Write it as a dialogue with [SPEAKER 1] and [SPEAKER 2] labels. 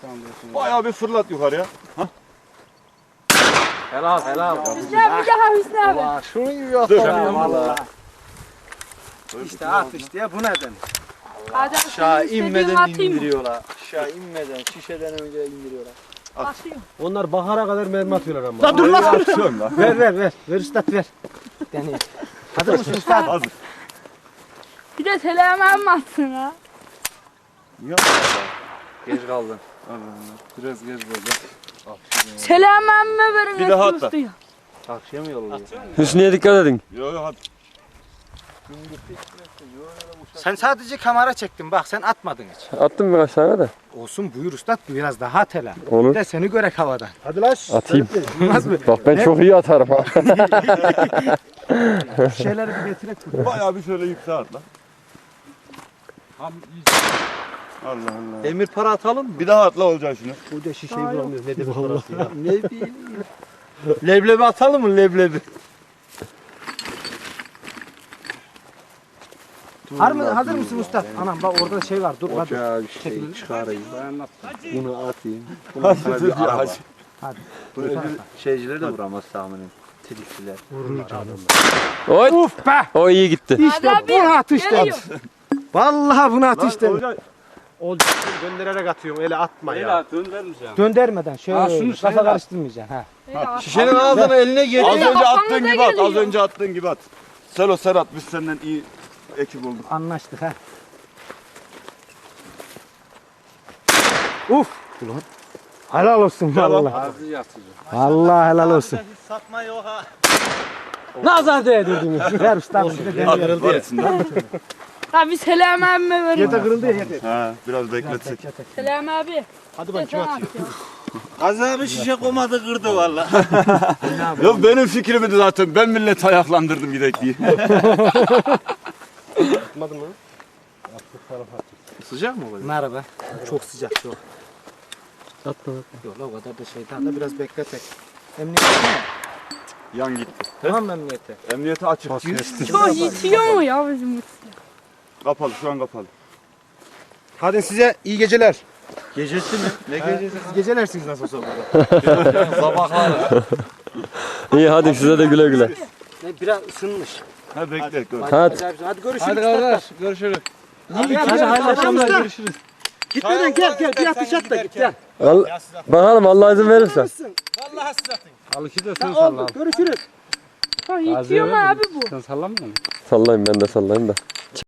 [SPEAKER 1] Bayağı bir fırlat yukarıya. Ha?
[SPEAKER 2] Helal.
[SPEAKER 3] Hüsnü abi bir daha Hüsnü abi.
[SPEAKER 2] Valla şunu gibi yok
[SPEAKER 1] Dur.
[SPEAKER 2] ya valla. İşte at işte ya bu neden?
[SPEAKER 3] Hadi
[SPEAKER 2] Aşağı
[SPEAKER 3] istediğin
[SPEAKER 2] inmeden
[SPEAKER 3] atayım mı?
[SPEAKER 2] indiriyorlar. Aşağı inmeden şişeden önce indiriyorlar.
[SPEAKER 3] Atayım.
[SPEAKER 4] Onlar bahara kadar mermi atıyorlar ama.
[SPEAKER 2] Lan dur lan.
[SPEAKER 1] Atıyorum lan.
[SPEAKER 4] Ver üstad ver. Deneyim.
[SPEAKER 2] Hazır mısın usta?
[SPEAKER 1] Hazır.
[SPEAKER 3] Bir de telemen mi atsın ha?
[SPEAKER 1] Ya.
[SPEAKER 2] Geç kaldın.
[SPEAKER 1] Allah Allah. Biraz geç oldu.
[SPEAKER 3] Telemen mi verin?
[SPEAKER 1] Bir daha
[SPEAKER 3] eski
[SPEAKER 1] atla.
[SPEAKER 3] ustaya?
[SPEAKER 2] Akşam yolluyor.
[SPEAKER 5] Hüsnü'ye dikkat edin.
[SPEAKER 1] Yo yo hadi.
[SPEAKER 2] Sen sadece kamera çektin bak sen atmadın hiç.
[SPEAKER 5] Attım birkaç tane de.
[SPEAKER 2] Olsun buyur usta biraz daha at hele.
[SPEAKER 5] Olur.
[SPEAKER 2] Bir de seni görek havadan.
[SPEAKER 4] Hadi lan.
[SPEAKER 5] Atayım.
[SPEAKER 2] Olmaz mı?
[SPEAKER 5] Bak ben çok iyi atarım ha.
[SPEAKER 4] Şeyleri bir getirek buraya.
[SPEAKER 1] Bayağı bir şöyle yükseğe atla. Allah Allah.
[SPEAKER 2] Demir para atalım mı?
[SPEAKER 1] Bir daha atla olacak şunu.
[SPEAKER 4] Burada şişeyi bulamıyoruz. Ne demek parası ya.
[SPEAKER 2] Ne bileyim. Leblebi atalım mı leblebi? Hazır mısın usta? Anam bak orada şey var dur hadi.
[SPEAKER 5] Ya bir şey çıkarayım.
[SPEAKER 2] Bunu atayım.
[SPEAKER 1] Hadi dur ya hadi.
[SPEAKER 2] Hadi.
[SPEAKER 5] Bunu şeycileri de vuramaz tahminim.
[SPEAKER 2] Tilkiler.
[SPEAKER 5] Oy.
[SPEAKER 2] Uf be!
[SPEAKER 5] O iyi gitti.
[SPEAKER 2] İşte
[SPEAKER 3] Hadi abi,
[SPEAKER 2] bunu at işte.
[SPEAKER 3] geliyor.
[SPEAKER 2] Vallahi bunu at işte.
[SPEAKER 1] Olacak.
[SPEAKER 4] Olacak. Döndürerek atıyorum. Öyle atma ya.
[SPEAKER 2] Döndermeden şöyle
[SPEAKER 4] Ha, şunu
[SPEAKER 2] kafa
[SPEAKER 4] sayla.
[SPEAKER 2] karıştırmayacaksın ha.
[SPEAKER 3] Öyle at.
[SPEAKER 2] Şişenin ağzına eline geliyor.
[SPEAKER 1] Az önce
[SPEAKER 3] kafanıza
[SPEAKER 1] attığın gibi at. Az
[SPEAKER 3] geliyor.
[SPEAKER 1] önce attığın gibi at. Selo Serhat biz senden iyi ekip olduk.
[SPEAKER 2] Anlaştık ha. Uf! Ulan. Helal olsun vallahi. Vallahi helal olsun.
[SPEAKER 4] Nazar değdirdin.
[SPEAKER 2] Ver usta bir de
[SPEAKER 1] At
[SPEAKER 2] deneyelim.
[SPEAKER 1] var içinde.
[SPEAKER 3] Abi Selam abi mi verin?
[SPEAKER 4] Yete kırıldı ya yete.
[SPEAKER 1] Ha biraz bekletsek.
[SPEAKER 3] Selam abi.
[SPEAKER 4] Hadi bak kim
[SPEAKER 3] Sen
[SPEAKER 4] atıyor?
[SPEAKER 3] at ya.
[SPEAKER 2] Azabı şişe komadı kırdı valla.
[SPEAKER 1] Yok benim fikrimdi zaten. Ben milleti ayaklandırdım gidek diye.
[SPEAKER 4] Atmadın mı?
[SPEAKER 2] Sıcak mı oluyor? Merhaba. Çok sıcak çok.
[SPEAKER 4] Atma.
[SPEAKER 2] Yok la o kadar da şeytan da biraz bekletek. Emniyete mi?
[SPEAKER 1] Yan gitti.
[SPEAKER 2] Tamam mı emniyete?
[SPEAKER 1] Emniyete açık.
[SPEAKER 3] Çok yitiyor mu ya bizim mutlu?
[SPEAKER 1] Kapalı şu an kapalı.
[SPEAKER 4] Hadi size iyi geceler.
[SPEAKER 2] Gecesi mi? Ne gecesi?
[SPEAKER 4] Siz gecelersiniz nasıl olsa burada.
[SPEAKER 2] Sabahlar.
[SPEAKER 5] İyi hadi size de güle güle.
[SPEAKER 2] Ne biraz ısınmış.
[SPEAKER 1] Ha bekle dur.
[SPEAKER 5] Hadi.
[SPEAKER 2] Hadi görüşürüz.
[SPEAKER 4] Hadi kardeş görüşürüz.
[SPEAKER 2] Hadi hayırlı akşamlar görüşürüz.
[SPEAKER 4] Gitmeden gel bir atış at da git gel.
[SPEAKER 5] Bakalım Allah izin verirse.
[SPEAKER 4] Al iki de sen salla.
[SPEAKER 2] Görüşürüz.
[SPEAKER 3] Ha, yitiyor mu abi bu?
[SPEAKER 4] Sen sallamıyor musun?
[SPEAKER 5] Sallayayım ben de sallayayım da.